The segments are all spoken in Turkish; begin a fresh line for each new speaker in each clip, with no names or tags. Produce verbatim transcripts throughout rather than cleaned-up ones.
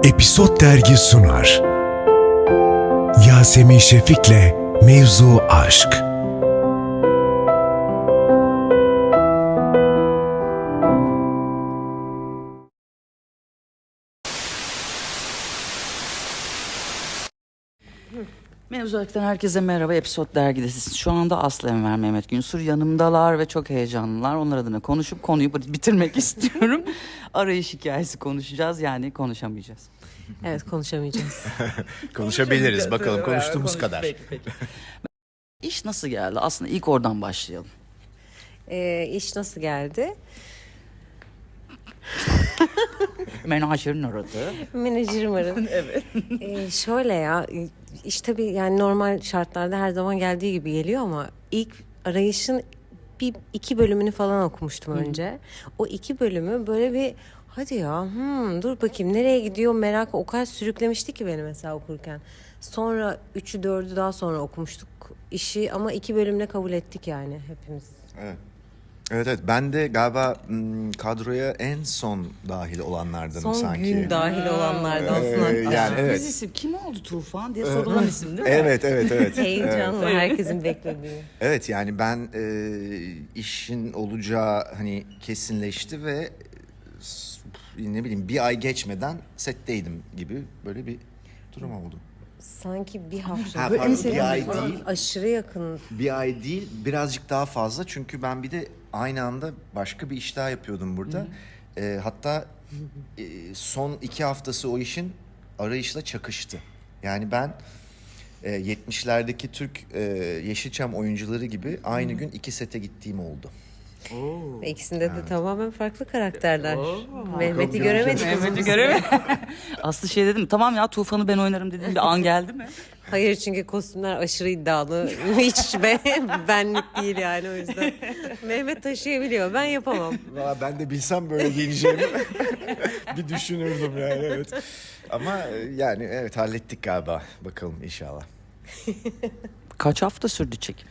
Episod Dergi sunar. Yasemin Şefik'le Mevzu Aşk.
Mevzu Aşk'tan herkese merhaba. Episod Dergi'desiniz. Şu anda Aslı Enver, Mehmet Günsur yanımdalar ve çok heyecanlılar. Onlar adına konuşup konuyu bitirmek istiyorum. Arayış hikayesi konuşacağız, yani konuşamayacağız.
Evet, konuşamayacağız.
Konuşabiliriz bakalım, konuştuğumuz kadar.
Peki, peki. İş nasıl geldi? Aslında ilk oradan başlayalım.
Ee, iş nasıl geldi?
Menajerin aradı.
Menajerim aradı.
Evet.
Ee, şöyle ya, iş tabii yani normal şartlarda her zaman geldiği gibi geliyor ama ilk arayışın bir iki bölümünü falan okumuştum önce. O iki bölümü böyle bir hadi ya hmm, dur bakayım nereye gidiyor merak o kadar sürüklemişti ki beni mesela okurken. Sonra üçü dördü daha sonra okumuştuk işi ama iki bölümle kabul ettik yani hepimiz.
Evet. Evet evet ben de galiba m, kadroya en son dahil olanlardanım
Son
sanki.
gün dahil olanlardan
Ee,
aslında.
yani evet.
Biz isim kim oldu Tufan diye sorulan isim değil mi?
Evet evet evet.
Heyecanla herkesin beklediği.
Evet yani ben e, işin olacağı hani kesinleşti ve s- ne bileyim bir ay geçmeden setteydim gibi böyle bir durum oldu.
Sanki bir hafta.
Ha,
Böyle
pardon,
en
bir ay
sevdiğim
değil.
Aşırı yakın.
Bir ay değil birazcık daha fazla çünkü ben bir de aynı anda başka bir iş daha yapıyordum burada. Ee, hatta e, son iki haftası o işin arayışla çakıştı. Yani ben e, yetmişlerdeki Türk e, Yeşilçam oyuncuları gibi aynı gün iki sete gittiğim oldu.
Ve ikisinde de tamamen farklı karakterler.
Oo,
Mehmet'i
Bakalım
göremedik.
Mehmet'i göremedim. Aslı şey dedim, tamam ya Tufan'ı ben oynarım dedim, bir an geldi mi?
Hayır çünkü kostümler aşırı iddialı. Hiç be, benlik değil yani o yüzden. Mehmet taşıyabiliyor. Ben yapamam.
Valla ben de bilsem böyle giyineceğimi bir düşünürdüm yani evet. Ama e, yani evet hallettik galiba. Bakalım inşallah.
Kaç hafta sürdü çekim?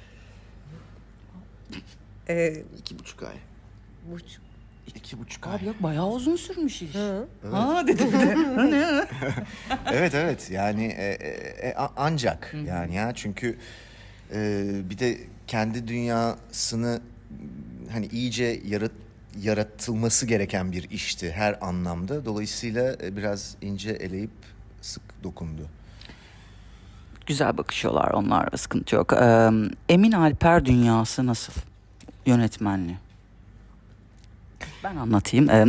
Ee,
İki buçuk ay.
bu-
İki buçuk ay.
Abi yok, bayağı uzun sürmüş iş.
Hı.
Ha dedim de.
Evet evet yani e, e, e, a- ancak yani ya çünkü e, bir de kendi dünyasını m, hani iyice yarat, yaratılması gereken bir işti her anlamda. Dolayısıyla e, biraz ince eleyip sık dokundu.
Güzel bakışıyorlar, onlarla sıkıntı yok. Ee, Emin Alper dünyası nasıl? Yönetmenliği. Ben anlatayım. Ee,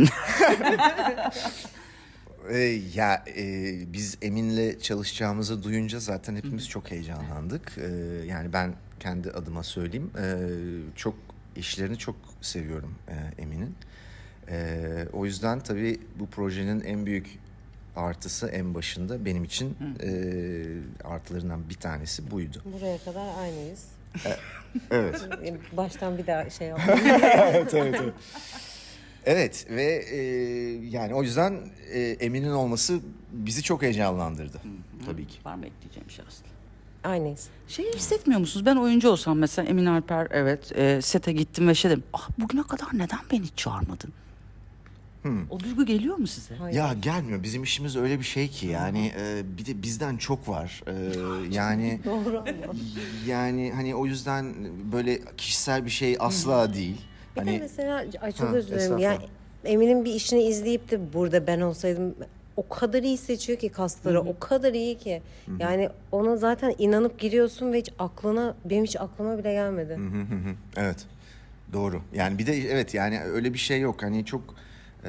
E, ya e, biz Emin'le çalışacağımızı duyunca zaten hepimiz çok heyecanlandık. E, yani ben kendi adıma söyleyeyim. E, çok işlerini çok seviyorum e, Emin'in. E, o yüzden tabii bu projenin en büyük artısı en başında benim için e, artılarından bir tanesi buydu.
Buraya kadar aynıyız.
Evet.
Baştan bir daha şey yapalım.
evet, evet, evet. Evet ve e, yani o yüzden e, Emin'in olması bizi çok heyecanlandırdı tabii ki.
Var mı ekleyeceğim şey Aslı?
Aynıyız.
Şey hissetmiyor musunuz? Ben oyuncu olsam mesela, Emin Alper, evet, e, sete gittim ve şey dedim. Ah, bugüne kadar neden beni hiç çağırmadın? O duygu geliyor mu size?
Hayır.
Ya gelmiyor. Bizim işimiz öyle bir şey ki yani e, bir de bizden çok var. E, yani
Doğru ama.
yani hani o yüzden böyle kişisel bir şey asla değil.
Bir de
Hani
mesela ay çok
Ha,
özür dilerim.
estağfurullah.
Yani Emin'in bir işini izleyip de burada ben olsaydım o kadar iyi seçiyor ki kasları, o kadar iyi ki. Yani ona zaten inanıp giriyorsun ve hiç aklına, benim hiç aklıma bile gelmedi.
Hı hı hı. Evet. Doğru. Yani bir de evet yani öyle bir şey yok. Hani çok e,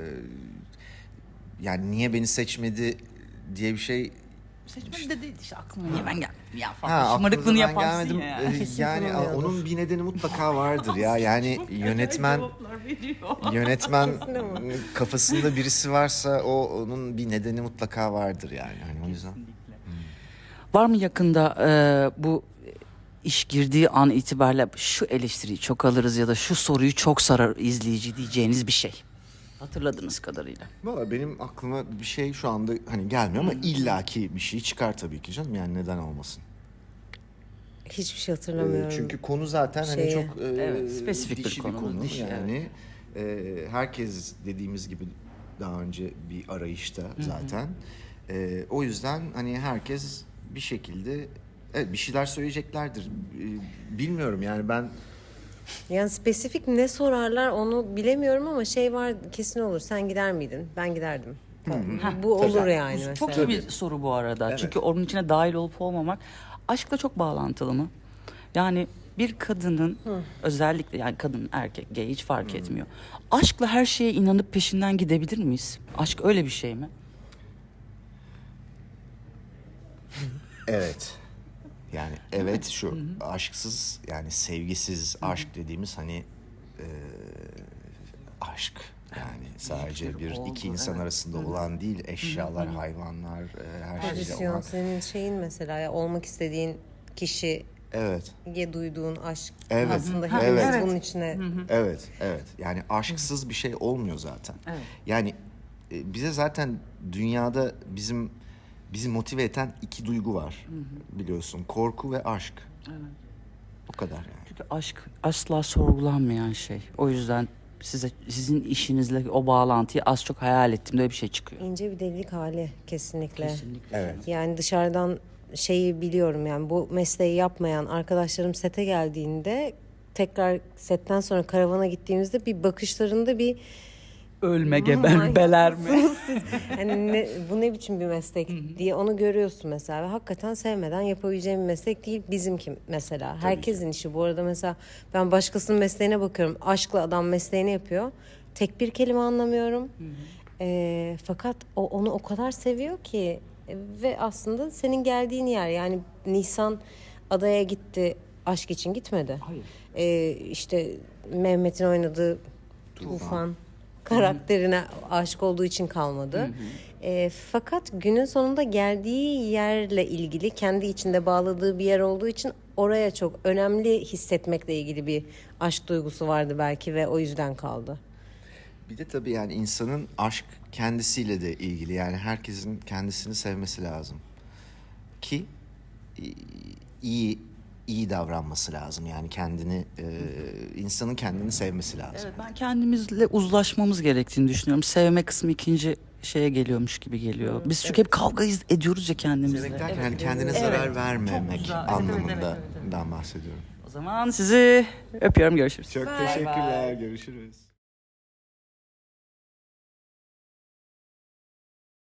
yani niye beni seçmedi diye bir şey.
Seçmedi de değil işte, aklıma niye ben gelmedim ya falan.
Ha,
Şımarıklığını
aklınıza ben
yaparsın
gelmedim.
ya.
Ee,
Kesin
Yani
tanımıyordur.
onun bir nedeni mutlaka vardır ya. Yani yönetmen yönetmen kafasında birisi varsa o onun bir nedeni mutlaka vardır yani. Hani o yüzden.
Var mı yakında e, bu iş girdiği an itibariyle şu eleştiriyi çok alırız ya da şu soruyu çok sarar izleyici diyeceğiniz bir şey? Hatırladığınız kadarıyla.
Valla benim aklıma bir şey şu anda hani gelmiyor ama illaki bir şey çıkar tabii ki canım. Yani neden olmasın?
Hiçbir şey
Ee,
hatırlamıyorum.
Çünkü konu zaten hani
Şeyi.
çok e,
Evet, spesifik bir
dişi
konu,
konu.
dişi,
yani e, herkes dediğimiz gibi daha önce bir arayışta zaten. Ee, o yüzden hani herkes bir şekilde evet, bir şeyler söyleyeceklerdir. Ee, bilmiyorum yani ben
Yani spesifik ne sorarlar onu bilemiyorum ama şey var kesin olur. Sen gider miydin? Ben giderdim. Bu olur
Tabii.
yani mesela.
Çok iyi bir soru bu arada. Çünkü onun içine dahil olup olmamak aşkla çok bağlantılı mı? Yani bir kadının özellikle yani kadın erkek gay hiç fark etmiyor. Aşkla her şeye inanıp peşinden gidebilir miyiz? Aşk öyle bir şey mi?
evet. Yani evet şu aşksız yani sevgisiz aşk dediğimiz hani e, aşk yani sadece bir
oldu,
iki insan
evet.
arasında olan değil eşyalar, hayvanlar, e, her şeyle
Pozisyon
olan.
senin şeyin mesela ya olmak istediğin kişiye
Evet.
duyduğun aşk
Evet.
aslında
Ha,
hepimiz
evet.
bunun içine
Evet, evet. Yani aşksız bir şey olmuyor zaten.
Evet.
Yani e, bize zaten dünyada bizim bizi motive eden iki duygu var. Biliyorsun, korku ve aşk.
Evet.
O kadar yani.
Çünkü aşk asla sorgulanmayan şey. O yüzden size sizin işinizle o bağlantıyı az çok hayal ettiğimde öyle bir şey çıkıyor.
ince bir delilik hali kesinlikle.
Kesinlikle.
Evet.
Yani dışarıdan şeyi biliyorum yani bu mesleği yapmayan arkadaşlarım sete geldiğinde tekrar setten sonra karavana gittiğimizde bir bakışlarında bir
Ölme geber beler mi?
hani ne, bu ne biçim bir meslek diye onu görüyorsun mesela ve hakikaten sevmeden yapabileceğim bir meslek değil bizimki mesela. Herkesin işi bu arada mesela ben başkasının mesleğine bakıyorum. Aşkla adam mesleğini yapıyor. Tek bir kelime anlamıyorum. Ee, fakat o onu o kadar seviyor ki e, ve aslında senin geldiğin yer yani Nisan adaya gitti aşk için gitmedi.
Hayır.
Ee, işte Mehmet'in oynadığı Tufan karakterine aşık olduğu için kalmadı. E, fakat günün sonunda geldiği yerle ilgili kendi içinde bağladığı bir yer olduğu için oraya çok önemli hissetmekle ilgili bir aşk duygusu vardı belki ve o yüzden kaldı.
Bir de tabii yani insanın aşk kendisiyle de ilgili. Yani herkesin kendisini sevmesi lazım. Ki e, iyi iyi davranması lazım. Yani kendini e, insanın kendini sevmesi lazım.
Evet, ben kendimizle uzlaşmamız gerektiğini düşünüyorum. Sevme kısmı ikinci şeye geliyormuş gibi geliyor. Biz çünkü hep kavga iz- ediyoruz ya kendimizle.
Sevmek derken yani kendine zarar
Evet.
vermemek
Çok güzel. Evet, evet,
anlamında
evet, evet, evet.
ben bahsediyorum.
O zaman sizi öpüyorum, görüşürüz.
Çok
Bye
teşekkürler.
bye.
Görüşürüz.